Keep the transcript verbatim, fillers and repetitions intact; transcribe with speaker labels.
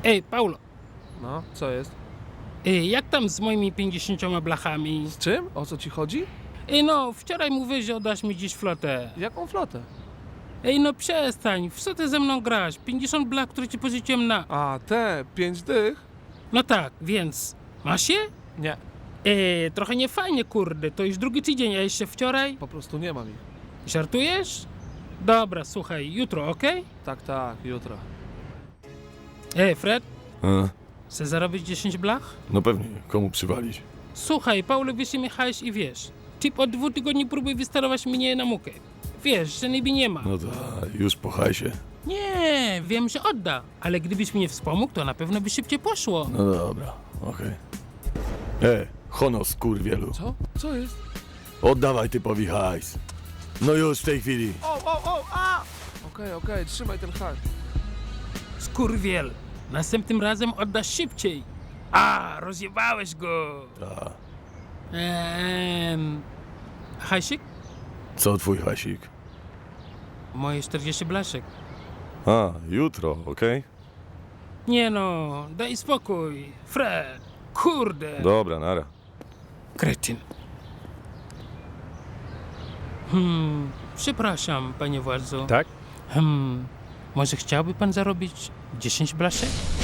Speaker 1: Ej, Paulo,
Speaker 2: No, co jest?
Speaker 1: ej, jak tam z moimi pięćdziesięcioma blachami?
Speaker 2: Z czym? O co ci chodzi?
Speaker 1: Ej, no, wczoraj mówiłeś, że oddasz mi dziś flotę.
Speaker 2: Jaką flotę?
Speaker 1: Ej, no przestań, w co ty ze mną grasz? pięćdziesiąt blach, które ci pożyczyłem na...
Speaker 2: A, te, pięć dych?
Speaker 1: No tak, więc... Masz je?
Speaker 2: Nie,
Speaker 1: Ej, trochę niefajnie, kurde, to już drugi tydzień, a jeszcze wczoraj?
Speaker 2: po prostu nie mam ich.
Speaker 1: Żartujesz? Dobra, słuchaj, jutro, okej?
Speaker 2: Tak, tak, jutro.
Speaker 1: Ej, Fred,
Speaker 3: A,
Speaker 1: chcesz zarobić dziesięć blach?
Speaker 3: no pewnie, komu przywalić?
Speaker 1: Słuchaj, Paulo, wiesz, mnie hajs i wiesz. Typ od dwóch tygodni próbuje wystarować mnie na mukę. Wiesz, że niby nie ma.
Speaker 3: No to już po hajsie.
Speaker 1: Nie, wiem, że odda, ale gdybyś mnie wspomógł, to na pewno by szybciej poszło.
Speaker 3: No dobra, okej. E, hono skurwielu.
Speaker 2: Co? Co jest?
Speaker 3: Oddawaj typowi hajs. No już w tej chwili.
Speaker 2: O, o, o, a! Okej, okej, trzymaj ten hak.
Speaker 1: Skurwiel, następnym razem oddasz szybciej. A, rozjebałeś go.
Speaker 3: Ta.
Speaker 1: Eee, hajsik?
Speaker 3: Co twój hajsik?
Speaker 1: Moje czterdzieści blaszek.
Speaker 3: A, jutro, okej?
Speaker 1: Nie no, daj spokój. Fred, kurde.
Speaker 3: Dobra, nara.
Speaker 1: Kretyn. Hmm, przepraszam, panie władzo.
Speaker 3: Tak?
Speaker 1: Hmm, może chciałby pan zarobić dziesięć blaszek?